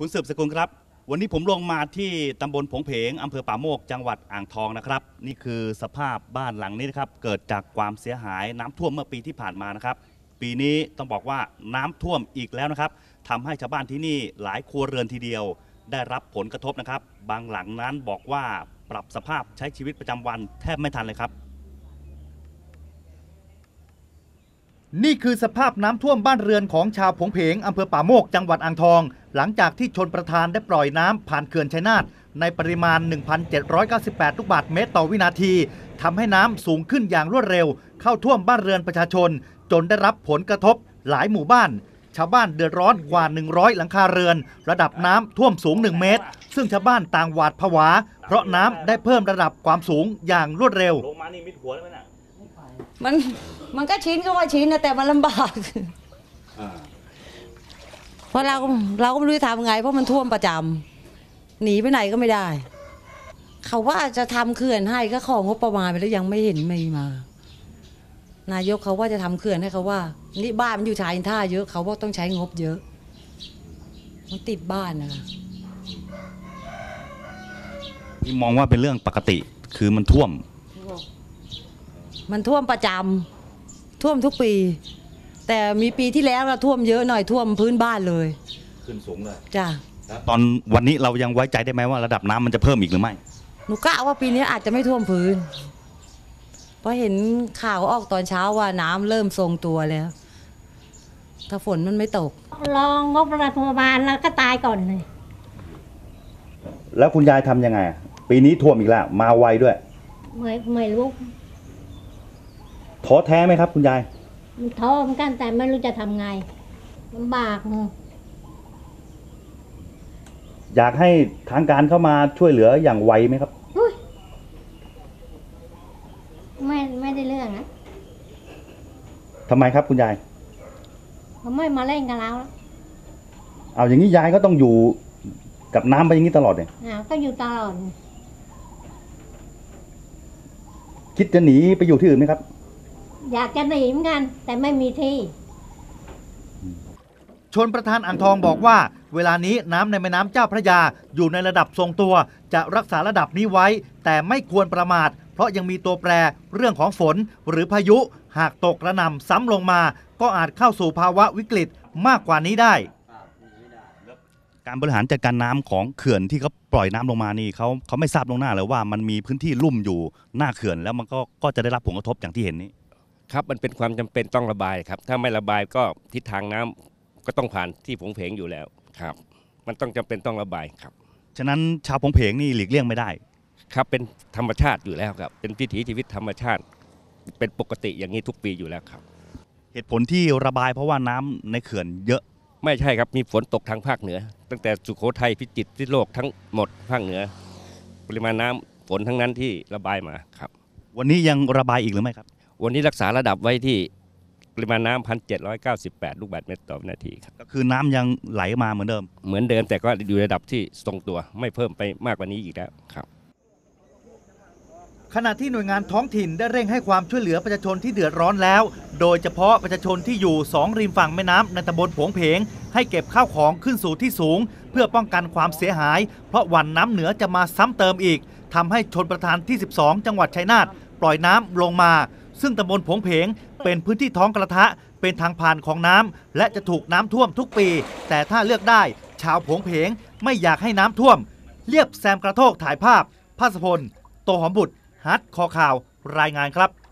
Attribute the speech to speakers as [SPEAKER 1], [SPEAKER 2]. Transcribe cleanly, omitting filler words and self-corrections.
[SPEAKER 1] คุณสืบสกุลครับวันนี้ผมลงมาที่ตำบลผงเพงอำเภอป่าโมกจังหวัดอ่างทองนะครับนี่คือสภาพบ้านหลังนี้นะครับเกิดจากความเสียหายน้ำท่วมเมื่อปีที่ผ่านมานะครับปีนี้ต้องบอกว่าน้ำท่วมอีกแล้วนะครับทำให้ชาวบ้านที่นี่หลายครัวเรือนทีเดียวได้รับผลกระทบนะครับบางหลังนั้นบอกว่าปรับสภาพใช้ชีวิตประจำวันแทบไม่ทันเลยครับ
[SPEAKER 2] นี่คือสภาพน้ำท่วมบ้านเรือนของชาวผงเพงอำเภอป่าโมกจังหวัดอ่างทองหลังจากที่ชลประทานได้ปล่อยน้ำผ่านเขื่อนชัยนาทในปริมาณ 1,798 ลูกบาศก์เมตรต่อวินาทีทำให้น้ำสูงขึ้นอย่างรวดเร็วเข้าท่วมบ้านเรือนประชาชนจนได้รับผลกระทบหลายหมู่บ้านชาวบ้านเดือดร้อนกว่า100หลังคาเรือนระดับน้ำท่วมสูง1เมตรซึ่งชาวบ้านต่างหวาดผวาเพราะน้ำได้เพิ่มระดับความสูงอย่างรวดเร็ว
[SPEAKER 1] ลงมานี่มิดหัวแล้วนะ
[SPEAKER 3] มันก็ชินก็ว่าชินนะแต่มันลำบากเพราะเราก็ไม่รู้จะทำไงเพราะมันท่วมประจำหนีไปไหนก็ไม่ได้เขาว่าจะทำเขื่อนให้ก็ของงบประมาณไปแล้วยังไม่เห็นไม่มานายกเขาว่าจะทำเขื่อนให้เขาว่านี่บ้านมันอยู่ชายท่าเยอะเขาว่าต้องใช้งบเยอะมันติดบ้านนะคะ
[SPEAKER 1] นี่มองว่าเป็นเรื่องปกติคือมันท่วม
[SPEAKER 3] ประจำท่วมทุกปีแต่มีปีที่แล้วเราท่วมเยอะหน่อยท่วมพื้นบ้านเลย
[SPEAKER 1] ขึ้นสูงเลย
[SPEAKER 3] จ้ะ
[SPEAKER 1] ตอนวันนี้เรายังไว้ใจได้ไหมว่าระดับน้ำมันจะเพิ่มอีกหรือไม่
[SPEAKER 3] หนูกะว่าปีนี้อาจจะไม่ท่วมพื้นเพราะเห็นข่าวออกตอนเช้าว่าน้ำเริ่มทรงตัวแล้วถ้าฝนมันไม่ตก
[SPEAKER 4] รองงบรัฐบาลแล้วก็ตายก่อนเลย
[SPEAKER 2] แล้วคุณยายทำยังไงปีนี้ท่วมอีกแล้วมาไวด้วย
[SPEAKER 4] ไม่รู้
[SPEAKER 2] ท้อแท้ไหมครับคุณยาย
[SPEAKER 4] ท้อเหมือนกันแต่ไม่รู้จะทำไงลำบาก
[SPEAKER 2] อยากให้ทางการเข้ามาช่วยเหลืออย่างไวไหมครับ
[SPEAKER 4] ไม่ได้เรื่องนะ
[SPEAKER 2] ทำไมครับคุณยาย
[SPEAKER 4] เขาไม่มาเล่นกับเราแล้ว
[SPEAKER 2] เอาอย่างนี้ยายก็ต้องอยู่กับน้ำไปอย่างนี้ตลอดเลย
[SPEAKER 4] ก็อยู่ตลอด
[SPEAKER 2] คิดจะหนีไปอยู่ที่อื่นไหมครับ
[SPEAKER 4] อยากจะหนีเหมือนกันแต่ไม่มีที่
[SPEAKER 2] ชลประทานอ่างทองบอกว่าเวลานี้น้ำในแม่น้ำเจ้าพระยาอยู่ในระดับทรงตัวจะรักษาระดับนี้ไว้แต่ไม่ควรประมาทเพราะยังมีตัวแปรเรื่องของฝนหรือพายุหากตกกระหน่ำซ้ำลงมาก็อาจเข้าสู่ภาวะวิกฤตมากกว่านี้ได้
[SPEAKER 1] การบริหารจัดการน้ำของเขื่อนที่เขาปล่อยน้ำลงมานี่เขาไม่ทราบล่วงหน้าเลยว่ามันมีพื้นที่ลุ่มอยู่หน้าเขื่อนแล้วมันก็จะได้รับผลกระทบอย่างที่เห็นนี้
[SPEAKER 5] ครับมันเป็นความจำเป็นต้องระบายครับถ้าไม่ระบายก็ทิศทางน้ำก็ต้องผ่านที่ผงเพงอยู่แล้วครับมันต้องจำเป็นต้องระบายครับ
[SPEAKER 1] ฉะนั้นชาวผงเพงนี่หลีกเลี่ยงไม่ได้
[SPEAKER 5] ครับเป็นธรรมชาติอยู่แล้วครับเป็นวิถีชีวิตธรรมชาติเป็นปกติอย่างนี้ทุกปีอยู่แล้วครับ
[SPEAKER 1] เหตุผลที่ระบายเพราะว่าน้ำในเขื่อนเยอะ
[SPEAKER 5] ไม่ใช่ครับมีฝนตกทางภาคเหนือตั้งแต่สุโขทัยพิจิตรพิษณุโลกทั้งหมดภาคเหนือปริมาณน้ำฝนทั้งนั้นที่ระบายมาครับ
[SPEAKER 1] วันนี้ยังระบายอีกหรือไม่ครับ
[SPEAKER 5] วันนี้รักษาระดับไว้ที่ปริมาณน้ำ 1,798 ลูกบาศก์เมตรต่อวินาทีครับ
[SPEAKER 1] ก็คือน้ำยังไหลมาเหมือนเดิม
[SPEAKER 5] แต่ก็อยู่ระดับที่ทรงตัวไม่เพิ่มไปมากกว่านี้อีกแล้วครับ
[SPEAKER 2] ขณะที่หน่วยงานท้องถิ่นได้เร่งให้ความช่วยเหลือประชาชนที่เดือดร้อนแล้วโดยเฉพาะประชาชนที่อยู่2ริมฝั่งแม่น้ำในตำบลผงเพงให้เก็บข้าวของขึ้นสู่ที่สูงเพื่อป้องกันความเสียหายเพราะวันน้ำเหนือจะมาซ้ำเติมอีกทำให้ชลประทานที่12จังหวัดชัยนาทปล่อยน้ำลงมาซึ่งตำบลผงเพงเป็นพื้นที่ท้องกระทะเป็นทางผ่านของน้ำและจะถูกน้ำท่วมทุกปีแต่ถ้าเลือกได้ชาวผงเพงไม่อยากให้น้ำท่วมเรียบแซมกระโทกถ่ายภาพภาสพลโตหอมบุตรฮัทคอข่าวรายงานครับ